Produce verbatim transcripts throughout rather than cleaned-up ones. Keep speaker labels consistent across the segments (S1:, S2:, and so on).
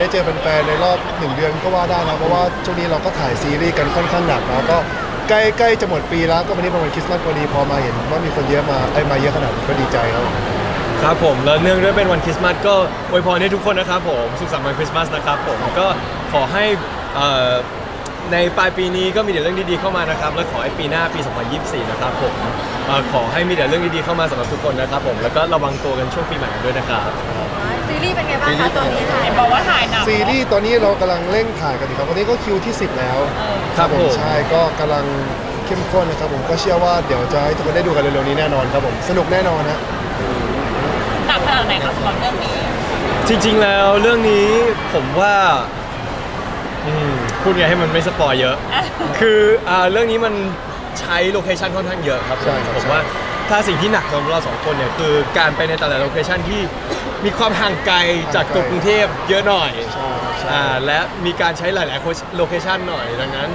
S1: เจอแฟนๆในรอบหนึ่งเดือนก็ว่าได้นะเพราะว่าช่วงนี้เราก็ถ่ายซีรีส์กันค่อนข้างหนักแล้วก็ใกล้ใกล้จะหมดปีแล้วก็วันนี้เป็นวันคริสต์มาสพอดีพอมาเห็นว่ามีคนเยอะมาไอ้มาเยอะขนาดนี้ก็ดีใจครับ
S2: ครับผมแล้วเนื่องด้วยเป็นวันคริสต์มาสก็อวยพรให้ทุกคนนะครับผมสุขสันต์วันคริสต์มาสนะครับผมก็ขอให้ในปลายปีนี้ก็มีแต่เรื่องดีๆเข้ามานะครับและขอให้ปีหน้าปี สองพันยี่สิบสี่ นะครับผมขอให้มีแต่เรื่องดีๆเข้ามาสำหรับทุกคนนะครับผมแล้วก็ระวังตัวกันช่วงปีใหม่ด้วยนะครับ
S3: ซีรีส์เป็นไงบ้างคะตอนนี้ถ่ายบอกว่าถ่ายหนัก
S1: ซีรีส์ตอนนี้เรากำลังเร่งถ่ายกันอยู่ครับวันนี้ก็คิวที่สิบแล้ว
S2: ครับผม
S1: ใช่ก็กำลังเข้มข้นนะครับผมก็เชื่อว่าเดี๋ยวจะให้ทุกคนได้ดูกันเร็วๆนี้แน่นอนครับผมสนุกแน่นอนฮะ
S3: หนักขนาดไหนครับสำหรับเรื่องนี้
S2: จริงๆแล้วเรื่องนี้ผมว่าพูดไงให้มันไม่สปอยเยอะคือเรื่องนี้มันใช้โลเคชันค่อนข้างเยอะครับผมว่าถ้าสิ่งที่หนักสำหรับเราสองคนเนี่ยคือการไปในแต่ละโลเคชันที่มีความห่างไกลจากตัวกรุงเทพเยอะหน่อยและมีการใช้หลายๆโลเคชันหน่อยดังนั้น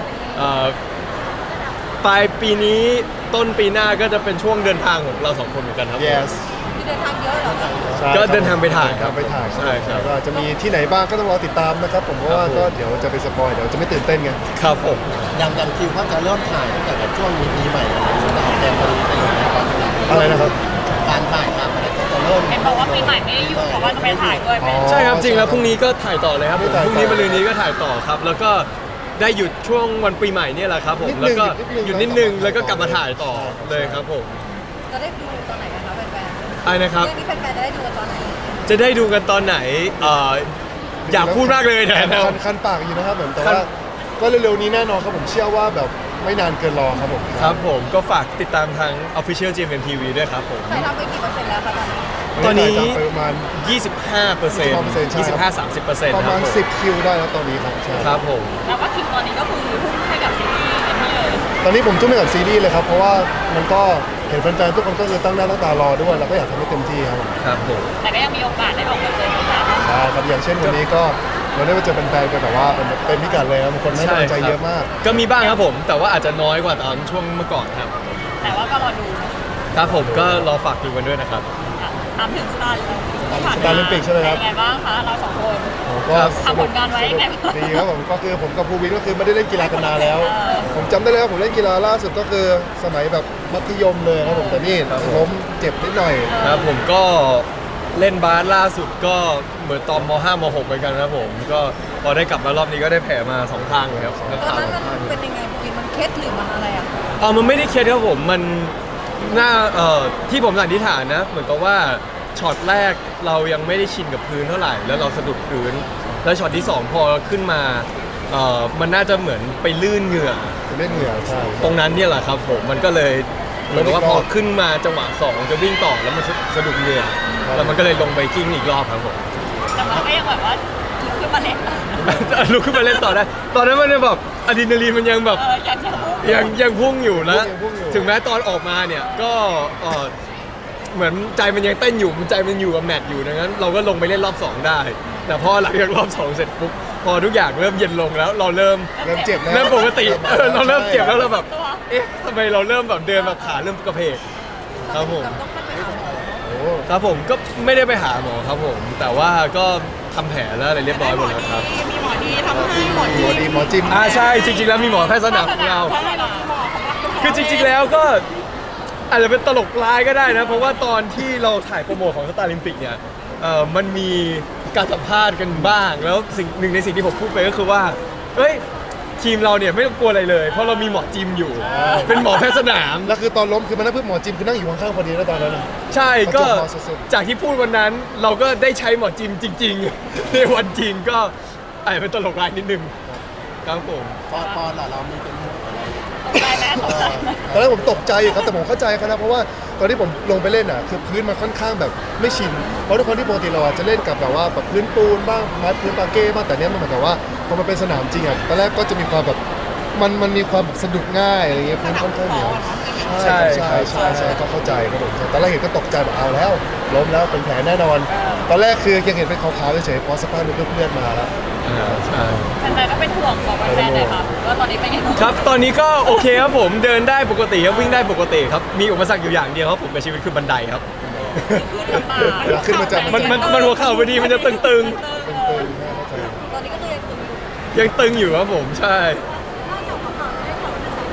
S2: ปลายปีนี้ต้นปีหน้าก็จะเป็นช่วงเดินทางของเราสองคนเหมือนกันครับ
S1: yes
S3: เดินทางเยอะเหรอ
S2: ก็เดินทางไปถ่ายครับ
S1: ไปถ่าย
S2: ใช่ครับ
S1: ก็จะมีที่ไหนบ้างก็ต้องรอติดตามนะครับผมเพราะว่าก็เดี๋ยวจะไปสปอยเดี๋ยวจะไม่ตื่นเต้นไง
S2: ครับผม
S4: ยังยังคิวว่าจะเริ่มถ่ายตั้งแต่ช่วงนี้ปีใหม่แล้วจะออกแนวนี้ไปอยู่แล้ว
S1: อะไรนะครับ
S4: การถ่ายทำอะไรจะเริ่ม
S3: เห็นบอกว่าปีใหม่ไม่ได้อยู่เพราะว่าจะไปถ่ายด้วย
S2: ใช่ครับจริงแล้วพรุ่งนี้ก็ถ่ายต่อเลยครับพรุ่งนี้มะรืนนี้ก็ถ่ายต่อครับแล้วก็ได้หยุดช่วงวันปีใหม่เนี่ยแหละครับผมแล้วก็หยุดนิดนึงแล้วก็กลับมาถ่ายต่อเลยครับผม
S3: จะได้ดูตอนไหนกันคะแฟนๆ
S2: อะไรนะครับ
S3: เรื่องนี้แฟนๆจะได้ดูกันตอนไหน
S2: จะได้ดูกันตอนไหนอยากพูดมากเลยนะ
S1: คันปากอยู่นะครับผมแต่ว่าก็เร็วๆนี้แน่นอนครับผมเชื่อว่าแบบไม่นานเกินรอครับผม
S2: ครับผมก็ฝากติดตามทาง Official จี เอ็ม เอ็ม ที วี ด้วยครับผม
S3: ถ่ายทำไปกี่เปอร์เซ็นต์แล้วคะ
S2: ตอนนี้ตอน
S1: นี้ประมาณ
S2: ยี่สิบห้าเปอร์เซ็นต์ ยี่สิบห้า สามสิบเปอร์เซ็นต์
S1: ประมาณสิบคิวได้แล้วตอนนี้ครับ
S2: ครับผม
S3: แล้วก็คิวตอนนี้ก็คือทุ่มให้กับซีรีส์เต็มที่เลย
S1: ตอนนี้ผมทุ่มให้กับซีรีส์เลยครับเพราะว่ามันก็เห็นแฟนๆทุกคนก็คือตั้งหน้าตั้งตารอด้วยเราก็อยากทำให้เต็มที่ครับ
S2: ครับผม
S3: แต่ก็ยังมีโอกาสได้ออกมาเจอกัน
S1: ใช่ครับอย่างเช่นวันนี้ก็เราได้มาเจอแฟนๆกันแบบว่าเป็นพิกัดเลยครับคนให้กำลังใจเยอะมาก
S2: ก็มีบ้างครับผมแต่ว่าอาจจะน้อยกว่าตอนช่วงเมื่อก่อนครับ
S3: แต่ว่าก็รอดู
S2: ครับผมก็รอฝากดูกันด้วยนะครับ
S3: ถามถึงสตาร์
S1: สตาร์ลิมปิกใช่ไหมครับ
S3: เป็นไงบ้างคะเราสองคน
S1: ก็
S3: ทำผลงานไว้ยังไง
S1: ดีครับผมก็คือผมกับภูวินก็คือไม่ได้เล่นกีฬากันนานแล้วผมจำได้เลยว่าผมเล่นกีฬาล่าสุดก็คือสมัยแบบมัธยมเลยครับผมแต่นี่ล้มเจ็บนิดหน่อย
S2: ครับผมก็เล่นบาสล่าสุดก็เหมือนตอนม ห้า ม หก เหมือนกันครับผมก็พอได้กลับมารอบนี้ก็ได้แผลมาสองข้างเลยครับ
S3: ตอนนั้นมันเป็นยังไงภูวินมันเคล็ดหรือมันอะไรอ่ะ
S2: อ๋อมันไม่ได้เคล็ดครับผมมันน่าเอ่อที่ผมสันนิษฐานนะเหมือนกับว่าช็อตแรกเรายังไม่ได้ชินกับพื้นเท่าไหร่แล้วเราสะดุดพื้นแล้วช็อตที่สองพอขึ้นมาเอ่อมันน่าจะเหมือนไปลื่นเหงื่อ
S1: เล่นเหงื่อใช่
S2: ตรงนั้นเนี่ยแหละครับผมมันก็เลยเหมือนว่าพอขึ้นมาจังหวะสองจะวิ่งต่อแล้วมันสะดุดเหงื่อแล้วมันก็เลยลงไปกิ้งอีกรอบครับผม
S3: แต่มันก็ยังแบบว่าลุกขึ้นมาเล่น
S2: ลุกขึ้นมาเล่นต่อได้ตอนนั้นมันแบบอะดรีนาลีนมันยังแบบยังยังพุ่งอยู่นะถึงแม้ตอนออกมาเนี่ยก็เหมือนใจมันยังเต้นอยู่ใจมันอยู่กับแมตช์อยู่ดังนั้นเราก็ลงไปเล่นรอบสองได้แต่พอหลังจากรอบสองเสร็จปุ๊บพอทุกอย่างเริ่มเย็นลงแล้วเราเริ่ม
S1: เริ่มเจ็บแล้ว
S2: เริ่มปกติเราเริ่มเจ็บแล้วเราแบบเอ๊ะทำไมเราเริ่มแบบเดินแบบขาเริ่มกระเพกครับผมครับผมก็ไม่ได้ไปหาหมอครับผมแต่ว่าก็ทำแผลแล้วอะไรเรียบร้อยหมดแล้วครับ
S3: มีหมอดีทำให้หมอ
S1: ดีหมอจิม
S2: อ่าใช่จริงๆแล้วมีหมอแพทย์สนามของเราคือจริงๆแล้วก็อาจจะเป็นตลกร้ายก็ได้นะเพราะว่าตอนที่เราถ่ายโปรโมทของสตาร์ลิมปิกเนี่ยเอ่อมันมีการสัมภาษณ์กันบ้างแล้วสิ่งหนึ่งในสิ่งที่ผมพูดไปก็คือว่าเอ้ยทีมเราเนี่ยไม่ต้องกลัวอะไรเลยเพราะเรามีหมอจิมอยู่เป็นหมอแพทย์สนาม
S1: แล้วคือตอนล้มคือมันนั่งเพื่อหมอจิมคือนั่งอยู่ข้างๆพอดีแล้วตอนนั้น
S2: ใช่ก็จากที่พูดวันนั้นเราก็ได้ใช้หมอจิมจริงๆในวันจริงก็อาจจะเป็นตลกร้ายนิดนึงครับผม
S4: ปอนปอนล่ะเรามีเป็น
S3: ตกใจไหมตกใจไหม
S1: ตอนแรกผมตกใจครับแต่ผมเข้าใจครับนะเพราะว่าตอนที่ผมลงไปเล่นอ่ะคือพื้นมันค่อนข้างแบบไม่ชินเพราะทุกคนที่ปกติเราจะเล่นกับแบบว่าแบบพื้นปูนบ้างไม้พื้นปาเก้บ้างแต่เนี้ยมันเหมือนกับว่าพอมันเป็นสนามจริงอ่ะตอนแรกก็จะมีความแบบมันมันมีความสะดุดง่ายอะไรเงี้ยพื้นค่อนข้างเหนียวใช่ใช่ใช่ใช่ก็เข้าใจครับผมตอนแรกเห็นก็ตกใจแบบเอาแล้วล้มแล้วเป็นแผลแน่นอนตอนแรกคือยังเห็นเป็นขาวๆเฉยๆพอสภาพมันเลือดมาแล้ว
S2: ใช่
S3: แฟนๆก็เป็นห่วงบอกแฟนๆหน่อยครับว่าตอนนี้เป็นยังไง
S2: ครับตอนนี้ก็โอเคครับผมเดินได้ปกติครับวิ่งได้ปกติครับมีอุปสรรคอยู่อย่างเดียวครับผมกับชีวิตคือบันไดครับ
S1: ขึ้นมาจาก
S2: มันมันมันหัวเข่าพอดีมันจะตึง
S1: ๆ
S3: แ
S5: ตอนนี้ก็คือยังตึงอยู่
S2: ยังตึงอยู่ครับผมใช่
S5: นอกจากข่าวได้ข่าวว่าจะ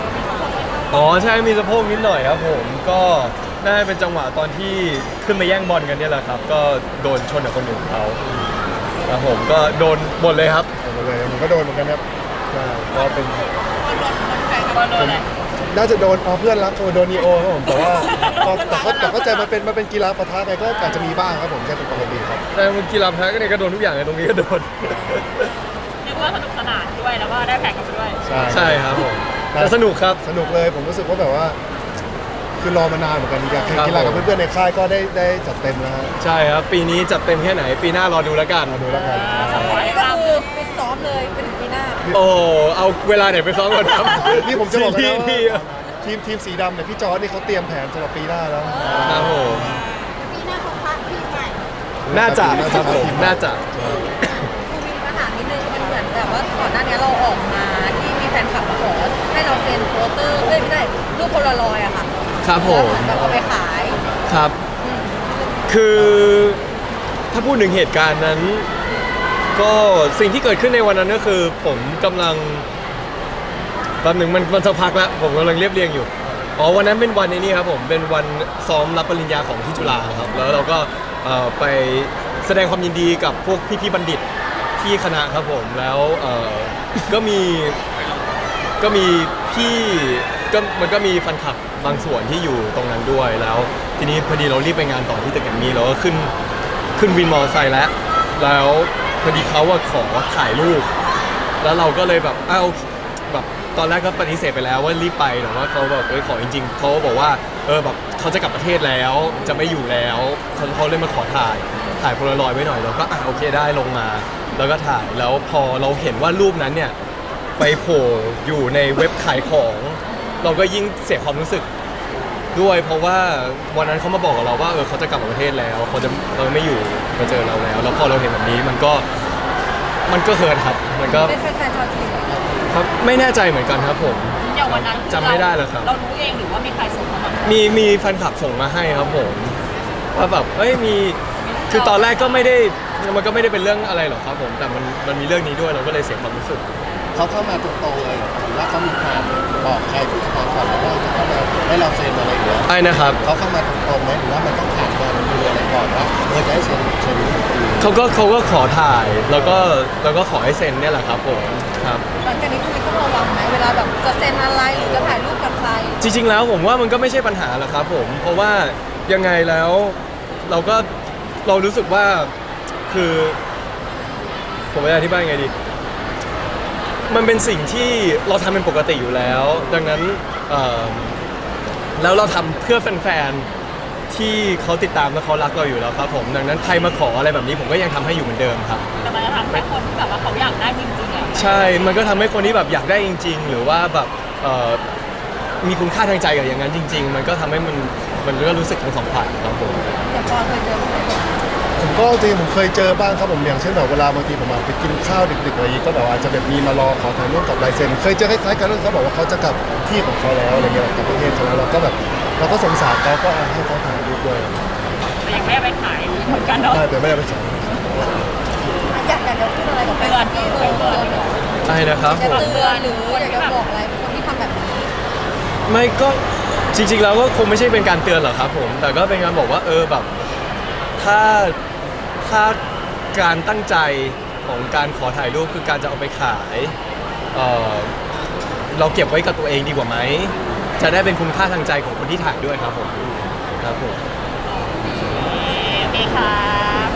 S2: อ๋อใช่มีสะโพกนิดหน่อยครับผมก็น่าจะเป็นจังหวะตอนที่ขึ้นมาแย่งบอลกันเนี่ยแหละครับ ก็โดนชนกับคนอื่นเขาครับผมก็โดนหมดเลยครับ
S1: หมดเลยผมก็โดนเหมือนกันครับใช่ก็เป็น
S3: บอลโดนอะไร
S1: น่าจะโดนอ๋อเพื่อนรักโดนนีโอครับผมแต่ว่าก็แต่เขาแต่เข้าใจมันเป็นมันเป็นกีฬาปะทะไงก็อาจจะมีบ้างครับผมใช่เป็นปกติครับ
S2: แต่มันกีฬาแพ้ก็เนี่ยก็โดนทุกอย่างเลยตรงนี้ก็โดน
S3: เรียกว่าสนุกสนานด้วยแล้วก็ได้แข่งกันไปด้วย
S1: ใช่
S2: ใช่ครับผมแต่สนุกครับ
S1: สนุกเลยผมรู้สึกว่าแบบว่า คือรอมานานเหมือนกันอยากแข่ง
S2: ครับ
S1: กีฬากับ
S2: ผม
S1: เพื่อนๆในค่ายก็ได้ได้จัดเต็มแล้วฮะ
S2: ใช่ครับปีนี้จัดเต็มแค่ไหนปีหน้ารอดูแล้วกัน
S1: มาดูแล้วกัน
S3: สปอยล์
S5: ก็
S3: ตาม
S5: คือฟิตซ้อมเลยไปถึงปีหน้า
S2: โอ้เอาเวลาไหนไปซ้อมก่อนครับ
S1: นี่ผมจะบอกกัน
S2: ที่
S1: นะ
S2: ที่
S1: ว่าทีมทีมสีดำเนี่ยพี่จอร์ดนี่เขาเตรียมแผนสำหรับปีหน้าแล้ว
S2: ครับผม
S5: ปีหน้าเขาพักทีมใหม่
S2: น่าจะครับผมน่าจะ
S5: คือมีปัญหานิดนึงมันเหมือนแบบว่าก่อนหน้านี้เราออกมาที่มีแฟนคลับมาขอให้เราเซ็นโปสเตอร์เอ้ยไม่ได้รูปโพลารอยด์อะค่ะ
S2: ครับผม
S5: แล้วเหมือนแบบเอาไปขาย
S2: ครับ คือถ้าพูดถึงเหตุการณ์นั้น ก็สิ่งที่เกิดขึ้นในวันนั้นก็คือ ผมกำลังแป๊บหนึ่งมันมันสักพักแล้วผมกำลังเรียบเรียงอยู่อ๋อวันนั้นเป็นวันในนี้ครับผมเป็นวันซ้อมรับปริญญาของที่จุฬาครับแล้วเราก็เอ่อไปแสดงความยินดีกับพวกพี่ๆบัณฑิตที่คณะครับผมแล้วเอ่อก็มีก็มีพี่ก็มันก็มีแฟนคลับบางส่วนที่อยู่ตรงนั้นด้วยแล้ว ทีนี้พอดีเรารีบไปงานต่อที่ตึกแกรมมี่เราก็ขึ้นขึ้นวินมอเตอร์ไซค์แล้ว แล้วพอดีเขาอะขอถ่ายรูป แล้วเราก็เลยแบบอ้าวแบบตอนแรกก็ปฏิเสธไปแล้วว่ารีบไปแต่ว่าเขาแบบเอ้ยขอจริงๆเขาบอกว่าเออแบบเขาจะกลับประเทศแล้วจะไม่อยู่แล้วเขาเขาเลยมาขอถ่ายถ่ายโพลารอยด์ไว้หน่อยเราก็อ่ะโอเคได้ลงมา แล้วก็ถ่ายแล้วพอเราเห็นว่ารูปนั้นเนี่ยไปโผล่อยู่ในเว็บขายของ เราก็ยิ่งเสียความรู้สึก ด้วยเพราะว่าวันนั้นเขามาบอกกับเราว่าเออเขาจะกลับประเทศแล้วเขาจะเราไม่อยู่มาเจอเราแล้ว แล้วพอเราเห็นแบบนี้มันก็มันก็เฮิร์ตครับมันก็
S5: เป็นแฟนๆชาวจีนเหรอ
S2: ครับไม่แน่ใจเหมือนกันครับผม
S3: อย่างวันนั้น
S2: จำไม่ได้แล้วครับ
S3: เรารู้เองหรือว่ามีใครส่งมาบ้าง
S2: มีมีแฟนคลับส่งมาให้ครับผมว่าแบบเอ้ยมีคือตอนแรกก็ไม่ได้มันก็ไม่ได้เป็นเรื่องอะไรหรอกครับผมแต่มันมันมีเรื่องนี้ด้วยเราก็เลยเสียความรู้สึก
S4: เขาเข้ามาตรงๆเลยเหรอหรือว่าเขามีการบอกใครที่สปอนก่อนแล้วว่าจะเข้ามาให้เราเซ็นอะไรอย่างเงี้ย
S2: ไอ้นะครับ
S4: เขาเข้ามาตรงๆไหมหรือว่ามันต้องผ่านการดูอะไรก่อนว่าเออจะให้เซ็นเซ็นหรือ
S2: เขาก็เขาก็ขอถ่ายแล้วก็แล้วก็ขอให้เซ็นเนี่ยแหละครับผมครับ
S5: หลังจากนี้คุณมีต้องระวังไหมเวลาแบบจะเซ็นอะไรหรือจะถ่ายรูปกับใคร
S2: จริงๆแล้วผมว่ามันก็ไม่ใช่ปัญหาหรอกครับผมเพราะว่ายังไงแล้วเราก็เรารู้สึกว่าคือผมจะอธิบายยังไงดีมันเป็นสิ่งที่เราทำเป็นปกติอยู่แล้ว ดังนั้นเอ่อแล้วเราทำเพื่อแฟนๆที่เขาติดตามและเขารักเราอยู่แล้วครับผมดังนั้นใครมาขออะไรแบบนี้ผมก็ยังทำให้อยู่เหมือนเดิมครับ
S3: แต่มันจะทำให้คนที่แบบว่าเขาอยากได้จริงๆอ่ะ
S2: ใช่ มันก็ทำให้คนที่แบบอยากได้จริง ๆ หรือว่าแบบเอ่อมีคุณค่าทางใจกับอย่างนั้นจริง ๆ มันก็ทำให้มันมันก็รู้สึกทั้งสองฝ่ายครับผม
S5: อย่างปอนเคยเจอไหม
S1: ผมก็จริงๆผมเคยเจอบ้างครับผมอย่างเช่นแบบเวลาบางทีผมมาไปกินข้าวดึกๆอะไรอย่างงี้ก็แบบว่าอาจจะแบบมีมารอขอถ่ายรูปกับลายเซ็นเคยเจอคล้ายๆกันแล้วเขาบอกว่าเขาจะกลับที่ของเขาแล้วอะไรเงี้ยกลับประเทศเขาแล้วเราก็แบบเราก็สงสารเขาก็เอาให้เขาถ่ายรูปด้วย
S3: แต่ยังไม่ได้ไปขายเหมือนกันเนาะ
S1: ใช่แต่ไม่ได้ไปใช้
S5: อยากอยากจะพูดอะไรกับแฟนที่เออเตือน
S2: ใช่นะครับ
S5: จะ
S2: ผม
S5: เตือนหรืออยากจะบอกอะไรคนที่ทำแบบนี้
S2: ไม่ก็จริงๆแล้วก็คงไม่ใช่เป็นการเตือนหรอกครับผมแต่ก็เป็นการบอกว่าเออแบบถ้าถ้าการตั้งใจของการขอถ่ายรูปคือการจะเอาไปขายเออเราเก็บไว้กับตัวเองดีกว่าไหมจะได้เป็นคุณค่าทางใจของคนที่ถ่ายด้วยครับผมครับผม
S3: โอเคครับ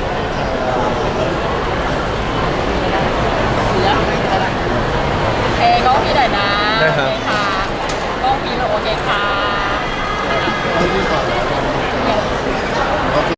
S3: เหลือโอเคก็พี่หน่อยนะ
S2: ได้ครับ
S3: โอเคค่ะ